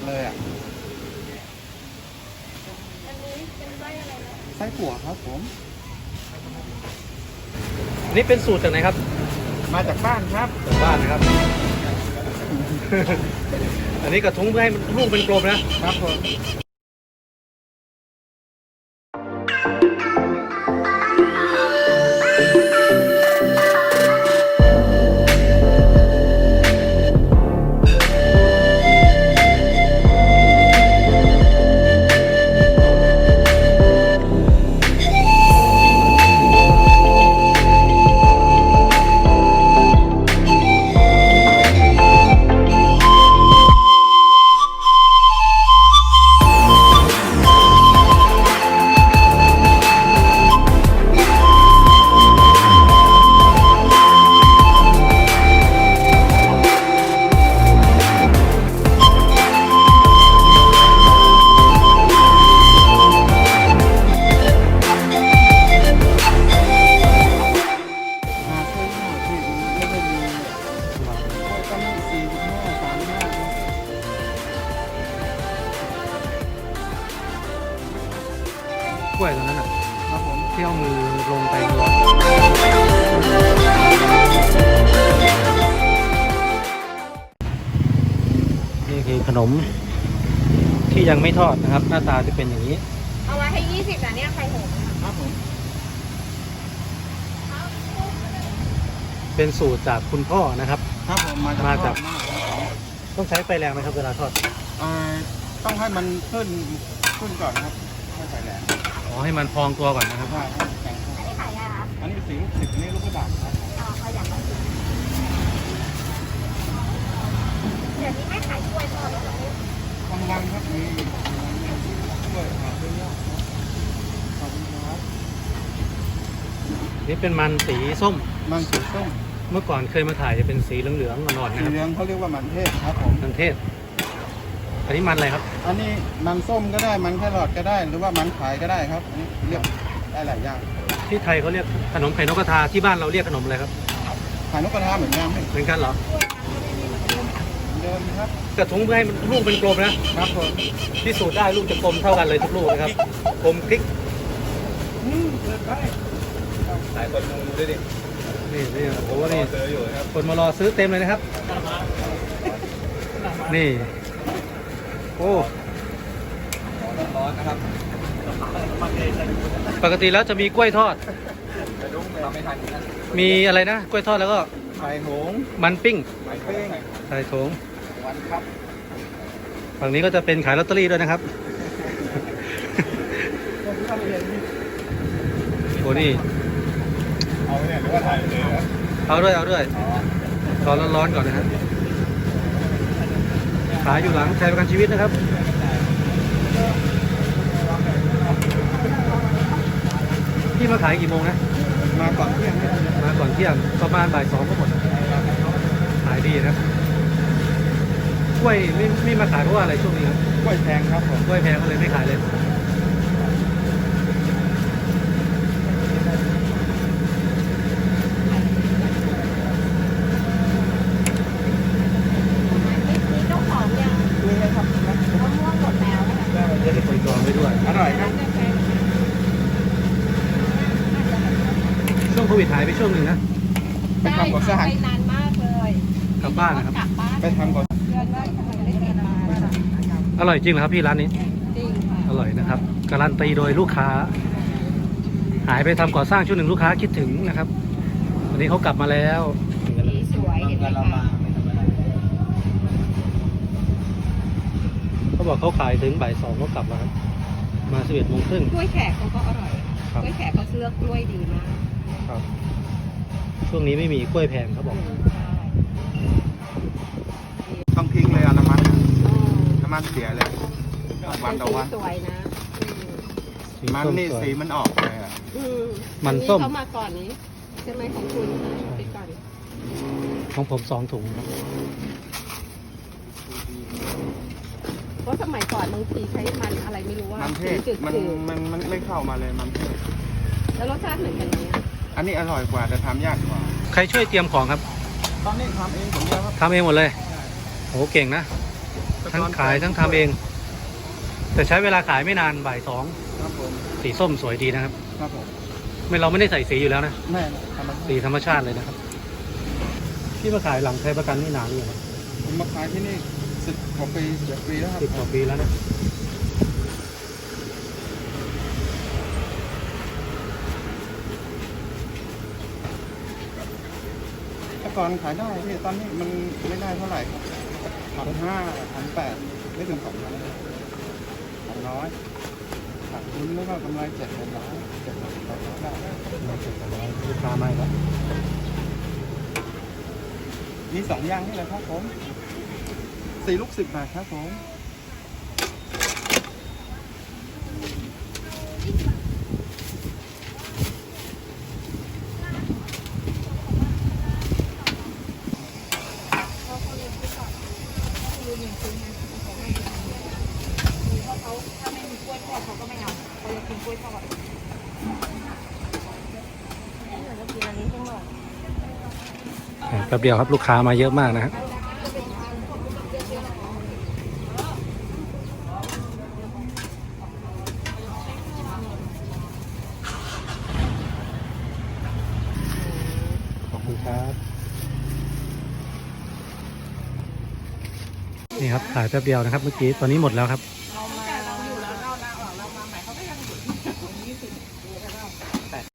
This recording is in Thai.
เลยอ่ะอันนี้เป็นไส้อะไรนะไส้อั่วครับผมอันนี้เป็นสูตรจากไหนครับมาจากบ้านครับจากบ้านนะครับ อันนี้กระทุ้งเพื่อให้มันลูกเป็นกลมนะครับผมมาเพิ่มหน่อยที่ไม่ได้มีก็มี45 35ครับกล้วยตรงนั้นอ่ะครับผมที่เอามือลงไปร้อนนี่คือขนมที่ยังไม่ทอดนะครับ หน้าตาจะเป็นอย่างนี้เอาไว้ให้20นะเนี่ยไข่หงส์ครับผมเป็นสูตรจากคุณพ่อนะครับครับผมมามาจาจากกทอดมากครับผมต้องใช้ไฟแรงไหมครับเวลาทอดต้องให้มันขึ้นก่อนครับให้ใส่แหลมอ๋อให้มันพองตัวก่อนนะครับใช่ครับแข็งครับอันนี้ขายอะไรคะอันนี้สีลูกศิษย์อันนี้ลูกกระดาษครับเอาอย่างละ10เดี๋ยวนี้ไม่ขายกล้วยทอดแล้วเหรอกำลังครับมีด้วยครับด้วยยอดครับขอบคุณครับนี่เป็นมันสีส้มมันสีส้มเมื่อก่อนเคยมาถ่ายจะเป็นสีเหลืองๆอ่อนๆสีนะครับเหลืองเขาเรียกว่ามันเทศครับผมมันเทศ อันนี้มันอะไรครับอันนี้มันส้มก็ได้มันแครอทก็ได้หรือว่ามันขายก็ได้ครับอันนี้เรียกได้หลายอย่างที่ไทยเขาเรียกขนมไข่นกกระทาที่บ้านเราเรียกขนมอะไรครับขายนกกระทาเหมือนกันเหมือนกันเหรอเดิมครับกระทุ้งเพื่อให้มันลูกเป็นกลมนะครับผมพิสูจน์ได้ลูกจะกลมเท่ากันเลยทุกลูกนะครับกลมคลิกเดินไปหลายคนดูด้วยดินี่โอ้โหนี่เจออยู่ครับคนมารอซื้อเต็มเลยนะครับ นี่โอ้ร้อนนะครับปกติแล้วจะมีกล้วยทอดแต่ดุ้งเราไม่ทันนะมีอะไรนะกล้วยทอดแล้วก็ไข่หงส์มันปิ้งไม้เป้งใส่ถุงวันครับฝั่งนี้ก็จะเป็นขายลอตเตอรี่ด้วยนะครับ โอ้นี่เอาเนี่ยหรือว่าถ่ายเลยครับเอาด้วยรอร้อนๆก่อนนะครับขายอยู่หลังไทยประกันชีวิตนะครับพี่มาขายกี่โมงนะมาก่อนเที่ยงมาก่อนเที่ยงประมาณบ่าย2ก็หมดขายดีนะครับกล้วยไม่มาขายเพราะว่าอะไรช่วงนี้ครับกล้วยแพงครับผมกล้วยแพงก็เลยไม่ขายเลยมีเจ้าของยังนี่ให้ครับมะม่วงหมดแล้วนะคะจะได้คนจองไว้ด้วยอร่อยครับช่วงโควิดหายไปช่วงหนึ่งนะไปทำก่อสร้างไปนานมากเลยกลับบ้านนะครับกลับบ้านไปทำก่อนเดือนแรกทำไมได้กินมาอร่อยจริงเหรอครับพี่ร้านนี้จริงค่ะอร่อยนะครับการันตีโดยลูกค้า หายไปทำก่อสร้างช่วงหนึ่งลูกค้าคิดถึงนะครับ วันนี้เขากลับมาแล้วสีสวยเห็นไหมเราคะมาไม่ธรรมดาเขาบอกเขาขายถึงบ่าย2ก็กลับแล้วครับมา11 โมงครึ่งกล้วยแขกเขาก็อร่อยครับกล้วยแขกเขาเลือกกล้วยดีมากครับช่วงนี้ไม่มีกล้วยแพงเขาบอกต้องทิ้งเลยอะน้ำมันเสียเลยวันต่อวันสวยนะสีมันส้มนี่สวยสีมันออกเลยอะมันส้มเขามาก่อนนี้ใช่ไหมของคุณไปก่อนของผม2 ถุงครับเพราะสมัยก่อนบางทีใช้มันอะไรไม่รู้ว่ามันเทศจืดมันไม่เข้ามาเลยมันเทศๆแล้วรสชาติเหมือนกันไหมอะอันนี้อร่อยกว่าแต่ทำยากกว่าใครช่วยเตรียมของครับตอนนี้ทำเองผมเดียวครับทำเองหมดเลยโอ้เก่งนะแต่ทั้งขายทั้งทำเอง แต่ใช้เวลาขายไม่นานบ่ายครับผม 2สีส้มสวยดีนะครับครับผมเราไม่ได้ใส่สีอยู่แล้วนะแม่ธรรมชาสีติธรรมชาติเลยนะครับพี่มาขายหลังไทยประกันนี่นานหรือยังครับผมมาขายที่นี่10 กว่าปี11 ปีแล้วครับ 10 กว่าปีแล้วนะแต่ก่อนขายได้พี่ตอนนี้มันไม่ได้เท่าไหร่ครับ1,500 1,800ไม่ถึง2,000 200ขาดทุนแล้วก็กำไร700 700 ได้ลูกค้าไม่ครับมี2อย่างนี่แหละครับผม4 ลูก 10 บาทครับผมแป๊บเดียวครับลูกค้ามาเยอะมากนะครับ ขอบคุณครับ นี่ครับขายแป๊บเดียวนะครับเมื่อกี้ตอนนี้หมดแล้วครับ